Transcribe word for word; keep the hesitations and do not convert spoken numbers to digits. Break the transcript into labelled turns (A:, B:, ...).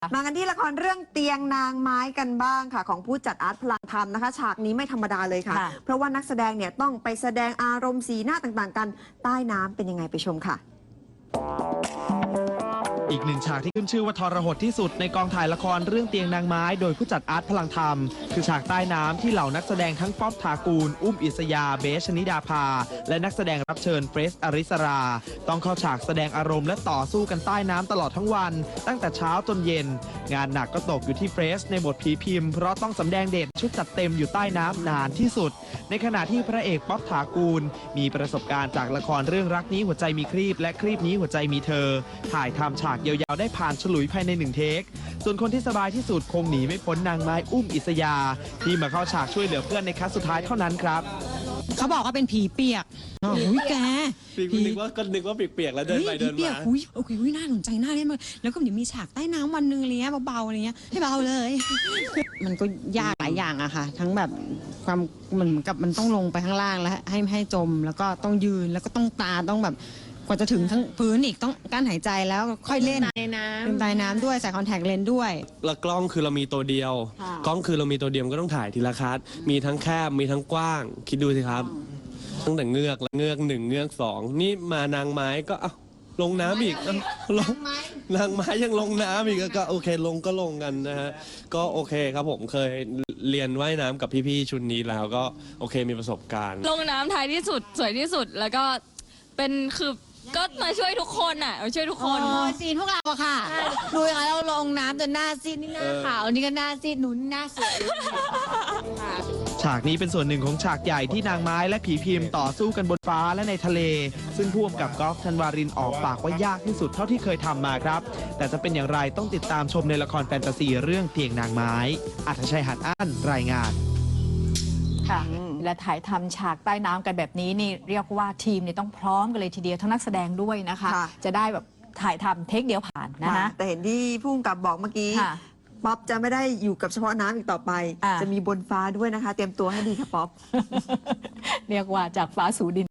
A: มากันที่ละครเรื่องเตียงนางไม้กันบ้างค่ะของผู้จัดอาร์ตพลังธรรมนะคะฉากนี้ไม่ธรรมดาเลยค่ะ เพราะว่านักแสดงเนี่ยต้องไปแสดงอารมณ์สีหน้าต่างๆกันใต้น้ำเป็นยังไงไปชมค่ะ
B: อีกหนึ่งฉากที่ขึ้นชื่อว่าทรหดที่สุดในกองถ่ายละครเรื่องเตียงนางไม้โดยผู้จัดอาร์ตพลังธรรมคือฉากใต้น้ำที่เหล่านักแสดงทั้งป๊อบถากูลอุ้มอิสยาเบสชนิดาภาและนักแสดงรับเชิญเฟรสอริสราต้องเข้าฉากแสดงอารมณ์และต่อสู้กันใต้น้ำตลอดทั้งวันตั้งแต่เช้าจนเย็นงานหนักก็ตกอยู่ที่เฟรสในบทผีพิมพ์เพราะต้องสำแดงเด่นชุดจัดเต็มอยู่ใต้น้ำนานที่สุดในขณะที่พระเอกป๊อบถากูลมีประสบการณ์จากละครเรื่องรักนี้หัวใจมีครีบและครีบนี้หัวใจมีเธอถ่ายทำฉากยาวๆได้ผ่านฉลุยภายในหนึ่งเทคส่วนคนที่สบายที่สุดคงหนีไม่พ้นนางไม้อุ้มอิสยาที่มาเข้าฉากช่วยเหลือเพื่อนในคัสสุดท้ายเท่านั้นครับ
C: เขาบอกว่าเป็นผีเปียกโอ้ยแก
D: ผีนึกว่าก็นึกว่าเปียกๆแล้วเดินไปเดินมา
C: อุ้ยโอเคอุ้ยน่าสนใจน่าเล่นมากแล้วก็เดี๋ยวมีฉากใต้น้ำวันนึงอะไรเงี้ยเบาๆอะไรเงี้ยให้เบาเลยมันก็ยากหลายอย่างอะค่ะทั้งแบบความเหมือนกับมันต้องลงไปข้างล่างแล้วให้ให้จมแล้วก็ต้องยืนแล้วก็ต้องตาต้องแบบกว่าจะถึงทั้งพื้นอีกต้องกั้นหายใจแล้วค่อยเล่นในน้ำเป็นใต้น้ำด้วยใส่คอนแทคเลนส์ด้วย
D: แล้วกล้องคือเรามีตัวเดียวกล้องคือเรามีตัวเดียวก็ต้องถ่ายทีละคัดมีทั้งแคบมีทั้งกว้างคิดดูสิครับตั้งแต่เงือกแล้วเงือกหนึ่งเงือกสองนี่มานางไม้ก็เอ้าลงน้ำอีกลงนางไม้ยังลงน้ำอีกก็โอเคลงก็ลงกันนะฮะก็โอเคครับผมเคยเรียนว่ายน้ำกับพี่ๆชุดนี้แล้วก็โอเคมีประสบการณ์
E: ลงน้ำท้ายที่สุดสวยที่สุดแล้วก็เป็นคือก็มาช่วยทุกคนอ่ะมาช่วยทุกคน
C: ซีนพวกเราอะค่ะดูอย่างเราลงน้ำจนหน้าซีดนี่หน้าขาวนี่ก็หน้าซีดหนุนหน้าสวย
B: ฉากนี้เป็นส่วนหนึ่งของฉากใหญ่ที่นางไม้และผีพิมพ์ต่อสู้กันบนฟ้าและในทะเลซึ่งผู้กำกับกอล์ฟธันวารินออกปากว่ายากที่สุดเท่าที่เคยทำมาครับแต่จะเป็นอย่างไรต้องติดตามชมในละครแฟนตาซีเรื่องเตียงนางไม้อัธชัยหันอ้านรายงาน
F: ค่ะและถ่ายทำฉากใต้น้ำกันแบบนี้นี่เรียกว่าทีมเนี่ยต้องพร้อมกันเลยทีเดียวทั้งนักแสดงด้วยนะคะจะได้แบบถ่ายทำเทคเดียวผ่านนะคะ
A: แต่เห็นที่ผู้กำกับบอกเมื่อกี้ป๊อปจะไม่ได้อยู่กับเฉพาะน้ำอีกต่อไปจะมีบนฟ้าด้วยนะคะเตรียมตัวให้ดีค่ะป๊อป
F: เรียกว่าจากฟ้าสู่ดิน